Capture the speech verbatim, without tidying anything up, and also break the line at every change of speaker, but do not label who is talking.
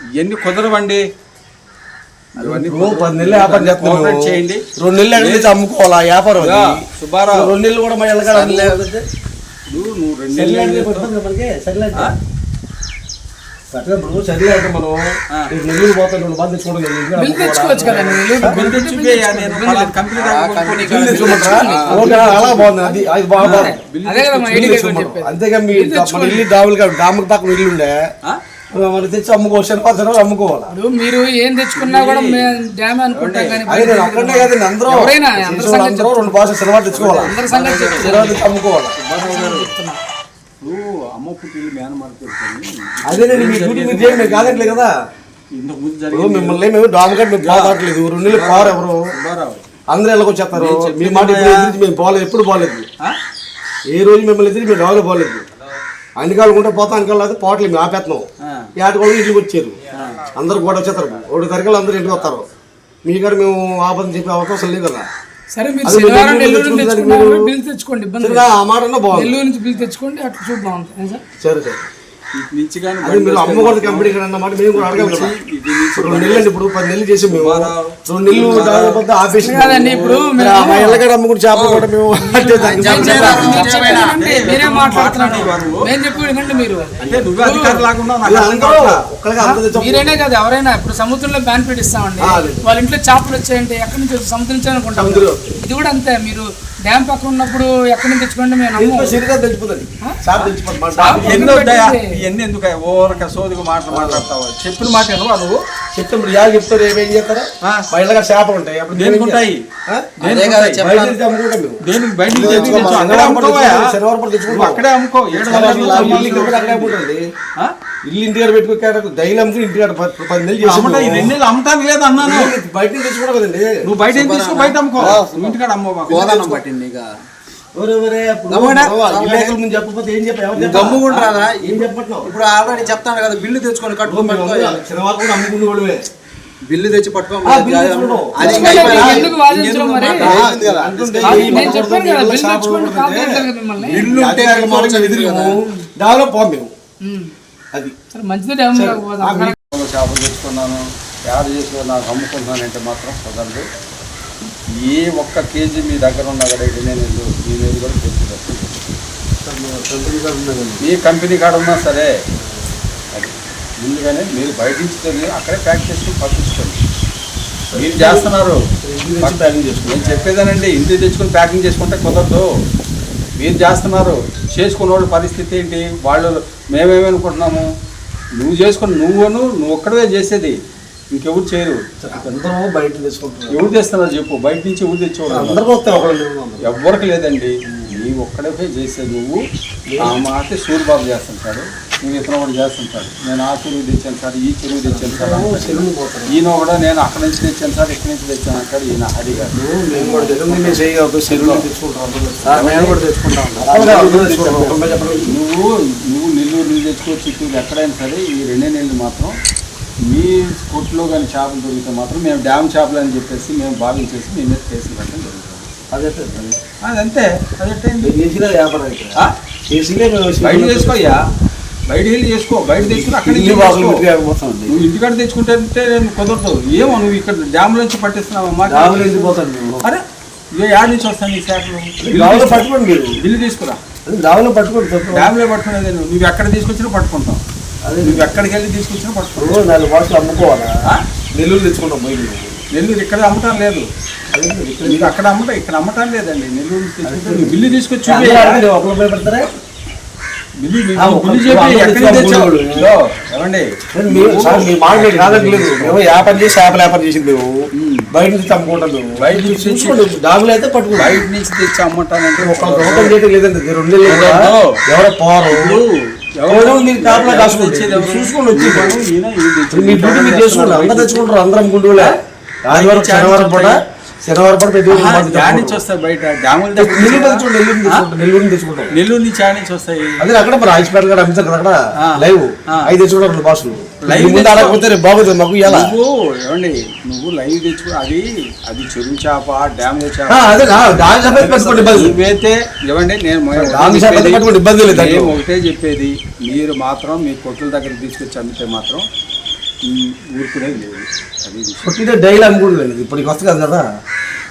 ఇవన్నీ కుదరవండి.
పది నెలలు వ్యాపారం చేస్తున్నాం, చేయండి. రెండు నెలలు ఎక్కడ అమ్ముకోవాలా వ్యాపారం సుబ్బారావు? రెండు నెలలు కూడా మా ఎల్లగా
నువ్వు రెండు నెలలు
ఇప్పుడు సరే అంటే మనం నెల్లూరు పోతాం, రెండు బాగా తెచ్చుకోవడం అలా బాగుంది. అది అది బాగా అంతేగా మీ ఇల్లు డాములు డాముకి పక్కన ఇల్లు ఉండే మనం తెచ్చి అమ్ముకోవచ్చు, శనివారం అమ్ముకోవాలి.
మీరు ఏం తెచ్చుకున్నా కూడా డ్యామ్ అనుకుంటాం కానీ
అక్కడనే కదండి అందరూ అందరూ రెండు బాగా శనివారం తెచ్చుకోవాలి, శనివారం తెచ్చి అమ్ముకోవాలి.
అమ్మ పుట్టిల్లు మేన మార్కెట్
అదేనండి మీ డ్యూటీ మీరు చేయండి, మేము కాదట్లేదు కదా. మిమ్మల్ని మేము డామకట్ మేము పోతాట్లేదు, రెండు నెలలు పోరు ఎవరు అందరూ ఎలాగో వచ్చేస్తారు. మీ మాట ఎదురు మేము పోలేదు, ఎప్పుడు పోలేదు. ఏ రోజు మిమ్మల్ని ఎదురు మేము డాగులో పోలేదు. అన్నికాలకుంటే పోతా అనికాలేదు పోవట్లేదు, మేము ఆపేస్తున్నాం. ఏట కూడా ఇంటికి వచ్చారు, అందరు కూడా వచ్చేస్తారు. ఒకటి తరగతి అందరూ ఇంటికి వస్తారు. మీ కాడ మేము ఆపదని చెప్పే అవకాశం లేదు కదా.
సరే మీరు శనివారం నెల్లూరు నుంచి తెచ్చుకున్నారు, బిల్ తెచ్చుకోండి, ఇబ్బంది
ఆ మాట
నెల్లూరు నుంచి బిల్ తెచ్చుకోండి, అట్లా చూద్దాం. సరే
సరే మీరు అమ్మకూడదు కంపెనీ అన్నమాట. మేము కూడా అడగాలి కదా. రెండు నెలలు ఇప్పుడు పది నెలలు చేసి మేము రెండు నెలలు ఆఫీస్
కాదండి. ఇప్పుడు
ఎల్లగడ అమ్ముకుంటే చేపలు కూడా మేము
మీరే మాట్లాడుతున్నారు, నేను చెప్పండి. మీరు మీరేనే కదా ఎవరైనా ఇప్పుడు సముద్రంలో బ్యాన్ ఇస్తామండి, వాళ్ళ ఇంట్లో చేపలు వచ్చాయంటే ఎక్కడి నుంచి సముద్రం నుంచి అనుకుంటాం. ఇది కూడా అంతే, మీరు డ్యామ్ పక్కన ఉన్నప్పుడు ఎక్కడి నుంచి తెచ్చుకోండి, మేము
ఇవన్నీ ఎందుకు ఓరక సోదిగా మాటలు మాట్లాడతావు? చెప్పిన మాట నువ్వు
చెప్తే మీరు యాలు చెప్తారు, ఏమేం చేస్తారా? మా ఇళ్ళగా చేపలు ఉంటాయి, అప్పుడు దేనికి ఉంటాయి?
దేనికి బయట అక్కడే అమ్ముకో.
ఇల్లు ఇంటికాడ పెట్టుకో, దైలు అమ్ముకు ఇంటికాడ పది నెలలు చేసి
రెండు నెలలు అమ్ముతాను లేదు అన్నాను.
బయట తెచ్చుకోవడం కదండి,
నువ్వు బయట తీసుకో, బయట అమ్ముకో, ఇంటికాడ అమ్మో పట్టింది.
చెప్పకపోతే ఏం
గమ్ముకుంటారా? ఇప్పుడు ఆల్రెడీ చెప్తాను కదా, బిల్లు తెచ్చుకొని కట్టుకోండి, బిల్లు తెచ్చి పట్టుకోండి.
అది
మంచిది.
చేపలు తెచ్చుకున్నాను, తయారు చేసి నాకు అమ్ముకుంటున్నానంటే మాత్రం కుదరదు. ఏ ఒక్క కేజీ మీ దగ్గర ఉన్న అక్కడైతే నేను మీ మీద కూడా తెచ్చుకోవచ్చు. మీ కంపెనీ కాడ ఉన్నా సరే అది ముందుగానే మీరు బయట నుంచి తెలియదు అక్కడే ప్యాక్ చేసుకుని పంపించుకోండి. మీరు చేస్తున్నారు ప్యాకింగ్ చేసుకుని, నేను చెప్పేదానండి. ఇంటికి తెచ్చుకొని ప్యాకింగ్ చేసుకుంటే కుదరదు. మీరు చేస్తున్నారు, చేసుకున్న వాళ్ళ పరిస్థితి ఏంటి? వాళ్ళు మేమేమనుకుంటున్నాము, నువ్వు చేసుకుని నువ్వును నువ్వు ఒక్కడే చేసేది, ఇంకెవరు చేయరు.
బయట తెచ్చుకుంటారు.
ఎవరు తెస్తున్నారు చెప్పు? బయట నుంచి ఎవరు తెచ్చుకోవడం ఎవరికి లేదండి. నీ ఒక్కడే చేసేది. నువ్వు ఆ మాట సూర్యబాబు చేస్తుంటాడు, నువ్వు ఇతను ఒకటి చేస్తుంటాడు. నేను ఆ చెరువు తెచ్చాను సార్, ఈ చెరువు తెచ్చాను సార్, ఈయన కూడా నేను అక్కడి నుంచి తెచ్చాను సార్, ఇక్కడి నుంచి తెచ్చాను అంటాడు ఈయన. అది కాదు, నువ్వు నువ్వు నెల్లూరు నుంచి తెచ్చుకో, చిత్తూరు ఎక్కడైనా సరే ఈ రెండే నెలలు మాత్రం మీ కొట్లో కానీ చేపలు దొరికితే మాత్రం మేము డ్యామ్ చేపలు అని చెప్పేసి మేము భావించేసి మీ మీద కేసులు పెట్టడం జరుగుతుంది. అదంతే అదంతే బయట చేసుకోయ్యా, బయట వెళ్ళి చేసుకో, బయట తెచ్చుకుని అక్కడ నువ్వు ఇంటికాడ తెచ్చుకుంటే నేను కుదరదు. ఏమో నువ్వు ఇక్కడ డ్యామ్ నుంచి పట్టిస్తున్నావమ్మా. అరే ఇక యాడ్ నుంచి వస్తాను నీ చేపలు
పట్టుకోండి,
బిల్లు తీసుకురా.
డ్యామ్లో పట్టుకోండి,
డ్యామ్లో పట్టుకునేది నువ్వు ఎక్కడ తీసుకొచ్చినా పట్టుకుంటాం. నువ్వు ఎక్కడికి వెళ్ళి తీసుకొచ్చినా పట్టుకో.
నాలుగు బాటలు అమ్ముకోవాలా? నెల్లూరు తెచ్చుకుంటాం.
నెల్లూరు ఇక్కడ అమ్మటం లేదు, మీరు అక్కడ అమ్మటం ఇక్కడ అమ్మటం లేదండి. నెల్లూరు తెచ్చుకుంటే బిల్లు తీసుకొచ్చి
పెడతారా?
బిల్లు బిల్లు చెప్పి ఎక్కడ తెచ్చావు? ఏమండి
మేము వ్యాపారం చేసి చేపల వ్యాపారం చేసింది, మేము బయట నుంచి అమ్ముకుంటాం. మేము
బయట నుంచి తెచ్చి
డాగులు అయితే పట్టుకో,
బయట నుంచి తెచ్చి అమ్ముంటానంటే
ఒక రూపం చేయడం లేదండి. రెండు ఎవరో పోరు చూసుకొని వచ్చి మీ డ్యూటీ మీరు చేసుకుంటారు. అందరు తెచ్చుకుంటారు, అందరం గుండూలే. ఆదివారం శనివారం పూట శనివారం పూట
నుంచి వస్తాయి బయట డ్యాముల దగ్గర.
నెల్లూరు తెచ్చుకుంటాం,
నెల్లూరు నుంచి ఆడ నుంచి వస్తాయి.
అదే అక్కడ మరి రాజపేట గారు అమ్ముతారు కదా, అక్కడ లైవ్ అవి తెచ్చుకుంటారు బాసులు. ముందు ఆడకపోతే రేపు బాగుంటుంది మాకు. ఎలా
నువ్వు ఏమండి నువ్వు లైవ్ తెచ్చుకో, అది అది చెరువు చేప, డ్యామ్ చేప. నువ్వైతే ఏమండి నేను
ఇబ్బంది లేదు.
ఒకటే చెప్పేది, మీరు మాత్రం మీ కొట్టుల దగ్గర తీసుకొచ్చి అమ్మితే మాత్రం ఊరుకునేది లేదు అది
కొట్టితే డైలీ అమ్ముకుంటుంది ఇప్పటికి వస్తుంది కదా